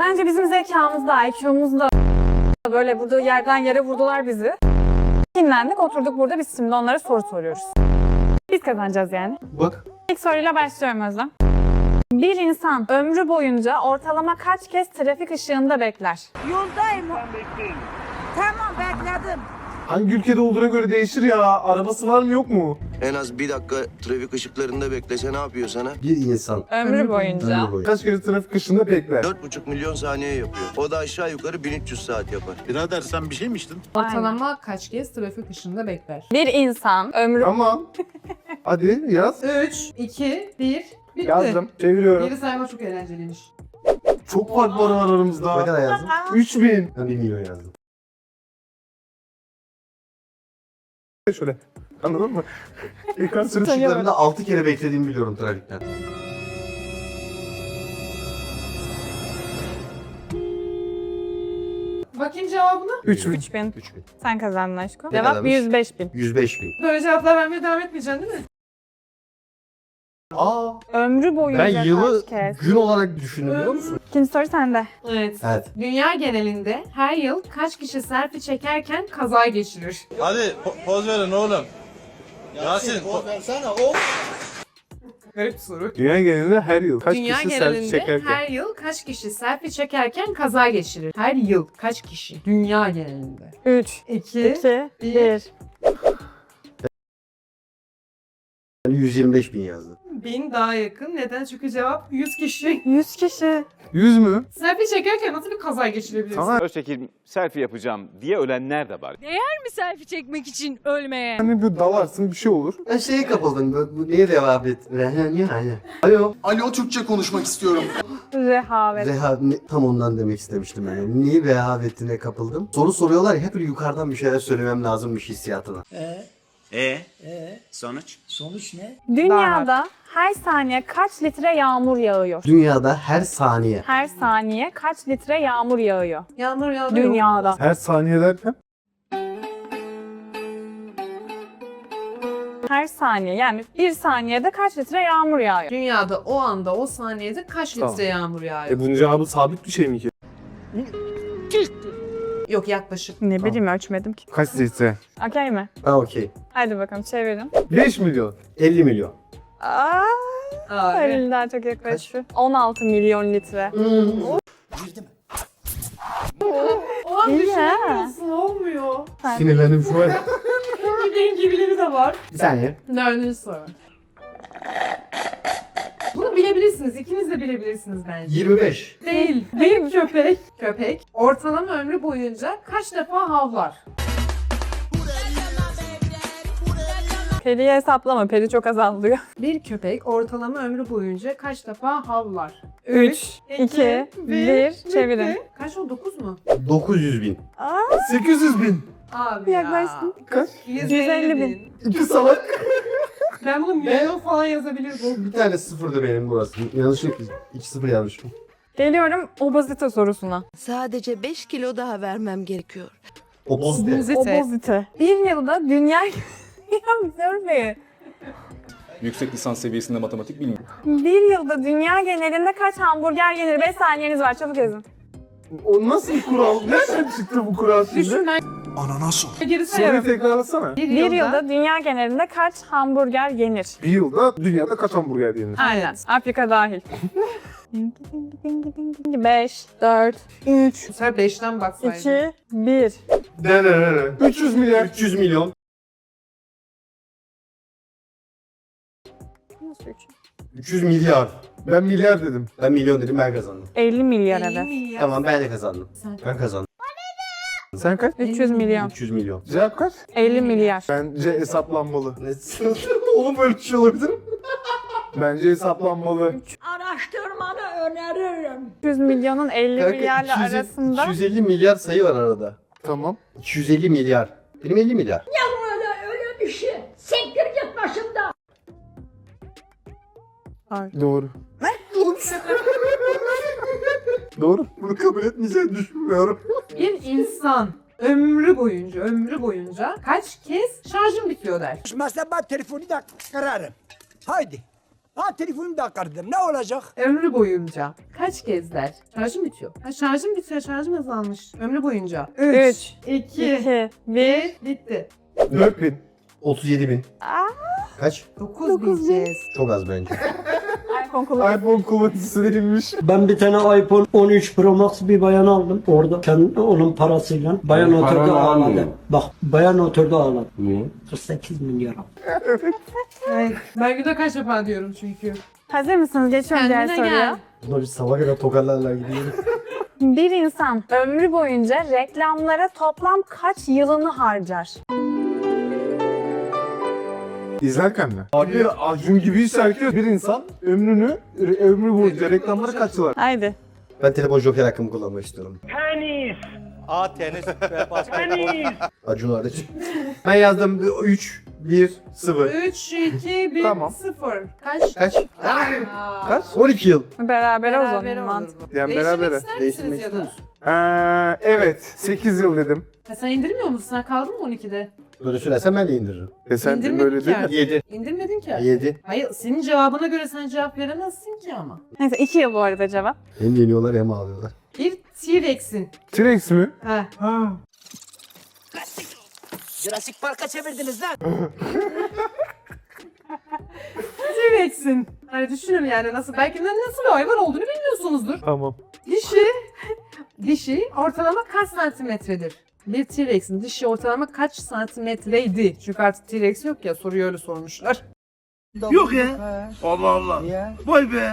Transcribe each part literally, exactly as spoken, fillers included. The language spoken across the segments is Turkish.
Bence bizim zekamız da, I Q'muz da böyle burada yerden yere vurdular bizi. Kinlendik, oturduk burada, biz şimdi onlara soru soruyoruz. Biz kazanacağız yani. Bak. İlk soruyla başlıyorum Özlem. Bir insan ömrü boyunca ortalama kaç kez trafik ışığında bekler? Yoldayım. Tamam bekledim. Hangi ülkede olduğuna göre değişir ya. Arabası var mı yok mu? En az bir dakika trafik ışıklarında beklese ne yapıyor sana? Bir insan. Ömrü boyunca. Ömrü boyu. Kaç kere trafik ışığında bekler? Dört buçuk milyon saniye yapıyor. O da aşağı yukarı bin üç yüz saat yapar. Birader sen bir şey mi içtin? Ortalama kaç kez trafik ışığında bekler? Bir insan ömrü... Tamam. Hadi yaz. üç, iki, bir, bitti. Yazdım. Çeviriyorum. Geri sayma çok eğlenceliymiş. Çok fark var Ne aramızda. kadar yazdın? üç bin. Ben bir milyon yazdım. Şöyle. Anladın mı? Ekran sürücü. Işıklarında altı kere beklediğimi biliyorum trafikten. Bakayım cevabına. üç bin. üç bin. üç bin. Sen kazandın aşkım. Ne Cevap kadarmış? yüz beş bin. yüz beş bin. Böyle cevaplar vermeye devam etmeyeceksin değil mi? Aa, Ömrü boyunca ben yılı kaç kez? gün olarak düşündüm biliyor musun? İkinci soru sende. Evet. Evet. Dünya genelinde her yıl kaç kişi selfie çekerken kaza geçirir? Hadi po- poz verin oğlum. Yasin poz versene o. Garip bir soru. Dünya genelinde her yıl kaç Dünya kişi selfie genelinde çekerken? her yıl kaç kişi selfie çekerken kaza geçirir? Her yıl kaç kişi? Dünya genelinde. üç, iki, iki, bir. bir. Ben yüz yirmi beş bin yazdım. bin daha yakın. Neden? Çünkü cevap yüz kişi. yüz kişi. yüz mü? Selfie çekerken nasıl bir kaza geçirebilirsin? Tamam. Öztekin selfie yapacağım diye ölenler de var. Mi selfie çekmek için ölmeye? Hani bir dalarsın bir şey olur. Ben şeye kapıldım. Bu, bu niye devam et? Alo. Alo, Türkçe konuşmak istiyorum. Rehavet. Reha, ne- tam ondan demek istemiştim ben. Niye rehavetine kapıldım? Soru soruyorlar ya hep böyle yukarıdan bir şeyler söylemem lazımmış hissiyatına. E? E? Sonuç? Sonuç ne? Dünyada her saniye kaç litre yağmur yağıyor? Dünyada her saniye Her saniye kaç litre yağmur yağıyor? Yağmur yağıyor. Dünyada. Her saniye derken? Her saniye yani bir saniyede kaç litre yağmur yağıyor? Dünyada o anda o saniyede kaç litre Tamam. yağmur yağıyor? E bunun cevabı sabit bir şey mi ki? Yok yaklaşık. Ne bileyim ölçmedim ki. Kaç litre? Okey mi? Ha okey. Hadi bakalım çevirin. beş milyon. elli milyon. Aa, Abi. Halil daha çok yaklaştı. on altı milyon litre. O an İyi düşünemiyorsun olmuyor. Sinirlendim şu an. Bir dengebileri de var. Bir saniye. Dördüncü soru. Bunu bilebilirsiniz. İkiniz de bilebilirsiniz bence. yirmi beş. Değil. Değil köpek. Köpek ortalama ömrü boyunca kaç defa havlar? Peri'yi hesaplama. Peri çok azalıyor. Bir köpek ortalama ömrü boyunca kaç defa havlar? üç, iki, bir. Çevirin. bitti. Kaç o? dokuz mu? dokuz yüz bin. sekiz yüz bin. Abi Yaklaştın. Kaç? yüz elli bin. İki salak. Ben bunu milyon falan yazabilirdim. Bir tane sıfırdı benim burası. Yanlışlıkla iki sıfır yazmışım. Geliyorum obezite sorusuna. Sadece beş kilo daha vermem gerekiyor. Obozite. Obezite. Bir yılda dünya... ya görmeyin. Yüksek lisans seviyesinde matematik bilmiyorum. Bir yılda dünya genelinde kaç hamburger yenir? beş saniyeniz var. Çabuk yazın. O nasıl bir kural? Nereden çıktı bu kural Düşün şimdi? ben Ananas o. geri Soruyu sayarım. tekrarlasana. Bir, Bir yılda dünya genelinde kaç hamburger yenir? Bir yılda dünyada kaç hamburger yenir? Aynen. Afrika dahil. beş, dört, üç, Bu sefer beşten baksaydın. iki, bir. üç yüz milyar. üç yüz milyon. üç yüz milyar. Ben milyar dedim. Ben milyon dedim ben kazandım. elli milyar elli evet. milyar. Tamam ben de kazandım. Sen- Ben kazandım. Sen kaç? üç yüz milyon. üç yüz milyon. Cevap kaç? elli milyar. Bence hesaplanmalı. Ne? Oğlum böyle bir şey olabilir mi? Bence hesaplanmalı. Araştırmanı öneririm. üç yüz milyonun elli Kanka, milyarla iki yüz elli arasında. iki yüz elli milyar sayı var arada. Tamam. iki yüz elli milyar. Benim elli milyar. Öyle öyle bir şey. Sektir git başımdan. Doğru. Doğru. Bunu kabul etmeyeceğini düşünmüyorum. Bir insan ömrü boyunca, ömrü boyunca kaç kez şarjım bitiyor der. Mesela ben telefonu da kırarım. Haydi. Ha telefonum da kırdım. Ne olacak? Ömrü boyunca kaç kez der? Şarjım bitiyor. Ha, şarjım bitiyor, şarjım azalmış. Ömrü boyunca. üç, iki, iki, bir. bitti. dört bin. otuz yedi bin. Kaç? dokuz bileceğiz. Çok az bence. iPhone kullanıyor. iPhone kullanıcısı değilmiş. Ben bir tane iPhone on üç Pro Max bir bayan aldım. Orada kendi onun parasıyla. Bayan oturdu ağladı. Bak bayan oturdu ağladı. Niye? kırk sekiz milyar. Evet. Ben günde kaç defa diyorum çünkü. Hazır mısınız? Geçiyorum diğer Kendine soruya. gel. Bunlar biz sabah kadar tokarlarla gidiyoruz. Bir insan ömrü boyunca reklamlara toplam kaç yılını harcar? İzlerken mi? Abi Acun gibiyse herkes bir insan ömrünü, ömrü boyunca reklamlara kaçtılar. Haydi. Ben telefon joker hakkımı kullanmak istiyorum. A tenis ve basketbol. Acun hariç. Ben yazdım üç, bir, sıfır. üç, iki, bir, Tamam. sıfır. Kaç? Kaç? Aa, Kaç? on iki yıl. Berabere o Beraber zaman. olur mantık. bu. Yani Değiştirmek berabere. ister Değiştirmek misiniz ya da? Ee, evet sekiz yıl dedim. Ha, sen indirmiyor musun? Sen kaldın mı on ikide? Böyle söylersen ben de indiririm. E sen İndirmedik böyle değil ya. mi? yedi. İndirmedin ki. yedi. Hayır, senin cevabına göre sen cevap veremezsin ki ama. Neyse iki yıl bu arada cevap. Hem yeniyorlar hem ağlıyorlar. Bir T-Rex'in. T-Rex mi? Ha. Ha. Jurassic Park'a çevirdiniz lan. T-Rex'in. Hani düşünün yani nasıl, belki de nasıl bir hayvan olduğunu bilmiyorsunuzdur. Tamam. Dişi, dişi ortalama kaç santimetredir? Bir T-Rex'in dişi ortalama kaç santimetreydi? Çünkü artık T-Rex yok ya, soruyu öyle sormuşlar. Yok ya. Allah Allah. Vay be.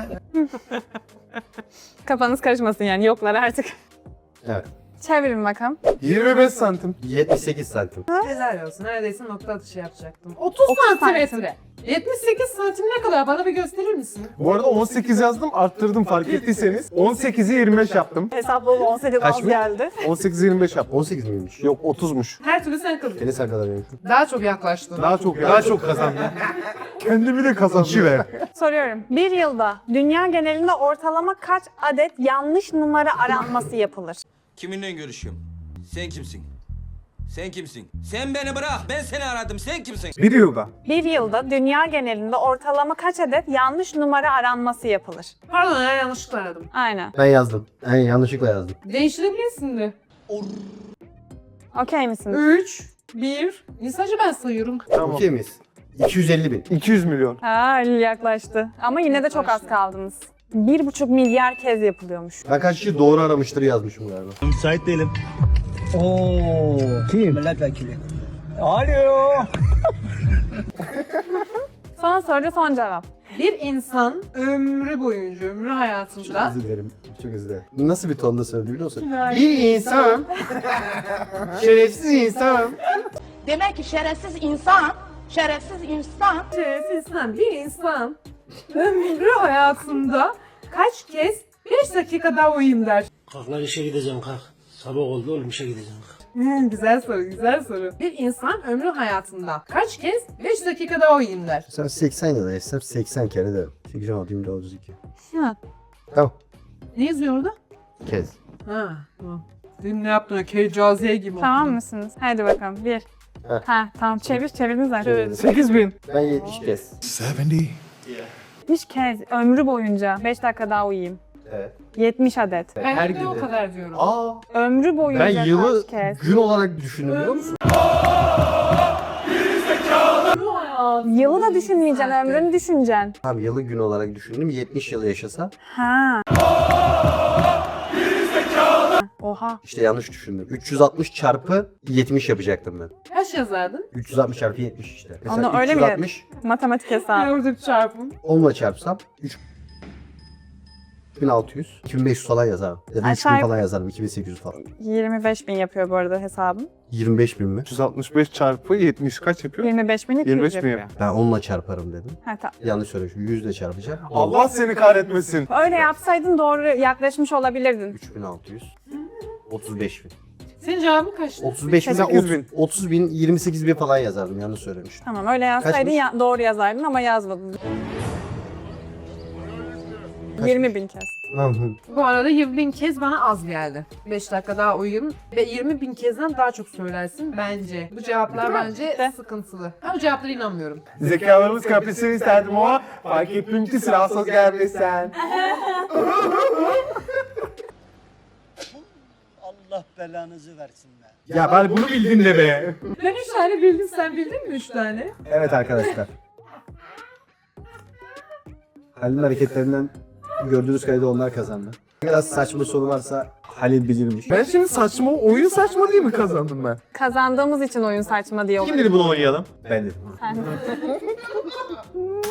Kafanız karışmasın yani yoklar artık. Evet. Çevirin bakalım. yirmi beş santim. yetmiş sekiz santim. Helal olsun, neredeyse nokta atışı yapacaktım. otuz santimetre. yetmiş sekiz santim ne kadar? Bana bir gösterir misin? Bu arada on sekiz yazdım arttırdım fark ettiyseniz. on sekizi yirmi beş yaptım. Hesaplı on sekiz Kaç az mı? geldi. on sekizi yirmi beş yaptım. on sekiz miymiş? Yok otuzmuş. Her türlü sen kazandın. Seni sen kadar benimki. Daha çok yaklaştın. Daha çok daha çok kazandım. Kendimi de kazandım. Soruyorum. Bir yılda dünya genelinde ortalama kaç adet yanlış numara aranması yapılır? Kiminle görüşüyorum? Sen kimsin? Sen kimsin? Sen beni bırak. Ben seni aradım. Sen kimsin? Bir yılda. Bir yılda dünya genelinde ortalama kaç adet yanlış numara aranması yapılır? Pardon ya, yanlışlıkla aradım. Aynen. Ben yazdım. Yani yanlışlıkla yazdım. Değiştirebilirsin de. Okey misiniz? üç, bir. Sadece ben sayıyorum. Tamam. Okey miyiz? iki yüz elli bin. iki yüz milyon. Ha yaklaştı. Ama yine de çok az Yaklaştı. kaldınız. Bir buçuk milyar kez yapılıyormuş. Ben kaç kişi doğru aramıştır yazmışım galiba. Müsait değilim. Oo. Kim? Milletvekili. Alo. Son soru son cevap. Bir insan ömrü boyunca, ömrü hayatında Özür dilerim. Çok özür dilerim. Nasıl bir tonda söyledi biliyor musun? Bir insan. Şerefsiz insan. Demek ki şerefsiz insan, şerefsiz insan şerefsiz insan, bir insan ömrü hayatında kaç kez beş dakika daha uyuyayım der. Kalk lan işe gideceğim kalk. Sabah oldu oğlum işe gideceğim. Hmm, güzel soru, güzel soru. Bir insan ömrü hayatında kaç kez beş dakika daha uyuyayım der. Sen seksen ya da hesap seksen kere de. sekiz, on altı, yirmi dört, otuz iki. Ha. Tamam. Ne yazıyor orada? Kez. Ha, tamam. Dün ne yaptın? Keycaziye gibi Tamam okudun. mısınız? Hadi bakalım. Bir. Heh. Ha tamam çevir çevirdin zaten. sekiz bin. Ben yetmiş kez. yetmiş. yetmiş kez ömrü boyunca beş dakika daha uyuyayım. Evet. yetmiş adet. Ben Her de gün. o kadar diyorum. Aa. Ömrü boyunca Ben yılı kaç kez? gün olarak düşündüm biliyor musun? Yılı da düşünmeyeceksin, ömrünü düşüneceksin. Tamam yılı gün olarak düşündüm. yetmiş yıl yaşasa. Ha. Oha. İşte yanlış düşündüm. üç yüz altmış çarpı yetmiş yapacaktım ben. Kaç yazardın? üç yüz altmış çarpı yetmiş işte. Mesela Onu öyle mi üç yüz altmış Matematik Ben hesabı. orada bir çarpım. onla çarpsam üç bin altı yüz, iki bin beş yüz falan yazarım. Ya da üç bin Aşağı- falan yazarım, iki bin sekiz yüz falan. yirmi beş bin yapıyor bu arada hesabım. yirmi beş bin mi? üç yüz altmış beş çarpı yetmiş kaç yapıyor? yirmi beş bin iki yüz yirmi beş bin yapıyor. yapıyor. Ben onla çarparım dedim. Ha, tamam. Yanlış söylemişim. yüzle çarpacağım. Allah seni kahretmesin. Öyle yapsaydın doğru yaklaşmış olabilirdin. üç bin altı yüz. otuz beş bin. Senin cevabın kaçtı? otuz beş bin, sekiz bin. otuz, otuz bin, yirmi sekiz bin falan yazardım. Yanlış söylemişim. Tamam öyle yazsaydın Kaçmış? ya, doğru yazardın ama yazmadın. yirmi bin kez. Bu arada yirmi bin kez bana az geldi. beş dakika daha uyuyayım ve yirmi bin kezden daha çok söylersin bence. Bu cevaplar bence sıkıntılı. Ben bu cevaplara inanmıyorum. Zekalarımız kaprisini isterdim ama fark ettim ki silahsız gelmesen. Allah belanızı versin be. Ya ben bunu bildin de be. Ben üç tane bildim, sen bildin mi üç tane? Evet arkadaşlar. Halil'in hareketlerinden gördüğünüz kadarıyla onlar kazandı. Biraz saçma soru varsa Halil bilirmiş. Ben şimdi saçma, oyun saçma diye mi kazandım ben? Kazandığımız için oyun saçma diye Kim dedi bunu oynayalım? Ben dedim. Sen.